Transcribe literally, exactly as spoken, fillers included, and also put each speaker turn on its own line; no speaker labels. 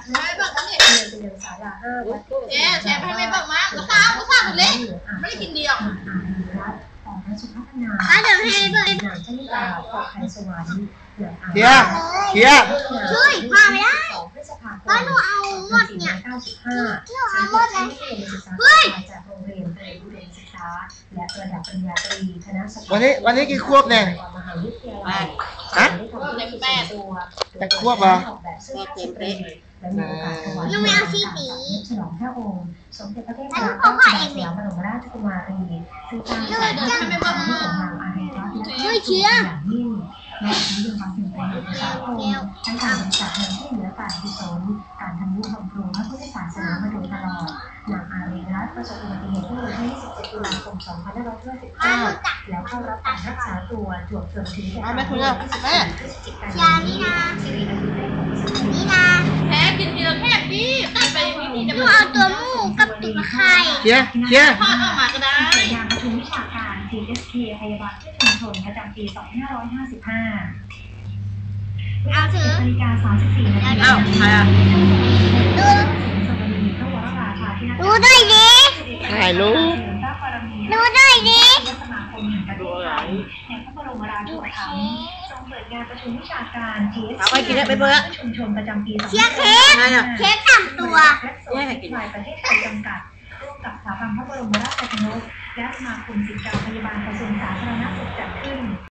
ไม่บอกนี่
เรียนเป็นอย่างสาราห้าวัด
เจ๊แชร์ให้ไม่บอกมาก็สาวก็สาวเล็กไม่ได้กินเดียว
อ่าวัดของพระสุพัฒนา
อ่ะเดี๋ยวให้เบิร์ด
นางชนิดาปกไข่สวรรค์เหลืออ่าง
เคียร์เคียร์
ช่วยพาไม่ได้
สองพฤษภาคม
ก็หนูเอาหมดเนี่ย
เก้าสิบห้า
หนูเอาหมดเลย
เฮ้ยจากโรงเรียนเตรียมอุดมศึกษาและระดับปริญญาตรีคณะสถา
วันนี้วันนี้กี่ควบเนี่ย
มหาวิทยาลัย
ฮะ
ได้ทำธุรกิจส่วนตัว
แปดควบเหรอ
ออกแบบเสื้อผ้าสตรีและมีโอกาสถวาย
หนูไม่เอาสีสี
ฉลองพระองค์สมเด็จพระเทพ
แล้วหนู
รัตน
เอาผ้าเอง
ส
ดิ
ยามบรมราชกุมารีซึ่งตั้ง
หนู
ใจ
จะ
ให้เป็นพระที่ของนางอารีรัตน์และ
ช่วยเชียร์
อย่างยิ่งและทั้งยังความเป็นประโยชน์ต่อสังคมทั้งการบริจาคเงินช่วยเหลือการกุศลการทำนุบำรุงพระพุทธศาสนามาโดยตลอดนางอารีรัตน์ประสบอุบัติเหตุเมื่อวันที่ยี่สิบเจ็ดตุลาคมสองพันห้าร้อยห้าสิบเก้าแล้วเข้ารับการรักษาตัวจวบจนถึงแก่ความตายวันที่สิบสี่พฤศจิกายนนี้สิริอายุได้หกสิบปี
นี่นะ
แพ้กินเดียวแค่พี่ไปวิธีจะ
หนูเอาตัวหมูกับตุ๊กไข่
เคียร์เคียร์
ทอดออกมาก็ได้
งานประชุมวิชาการ ที เอส เค พยาบาลที่ชุมชนประจำปีสองพันห้าร้อยห้าสิบห้า
เอาถือ
นาฬิกาสามสิบสี่นาที
อ้าวใครอ่ะ
ดู
สมณีพระวรราชาธินัก
ดูด้วยดิ
ถ่ายรูป
ดูด้วยดิ
สมาคมแห่งประเทศไทยในพระบรมราชูปถัมภ์ทรงเปิดงานประชุมวิชาการ ที เอส เค
เอาไปกินได้ไปเบอร์
ชุมชนประจำปีสอง
เชียร์เค้ก
ไงอ่ะ
เค้กสามตัว
และโซนไทยประเทศไทยจำกัดร่วมกับสถาบันพระบรมราชชนกและสมาคมศิษย์เก่าพยาบาลกระทรวงสาธารณสุขจัดขึ้น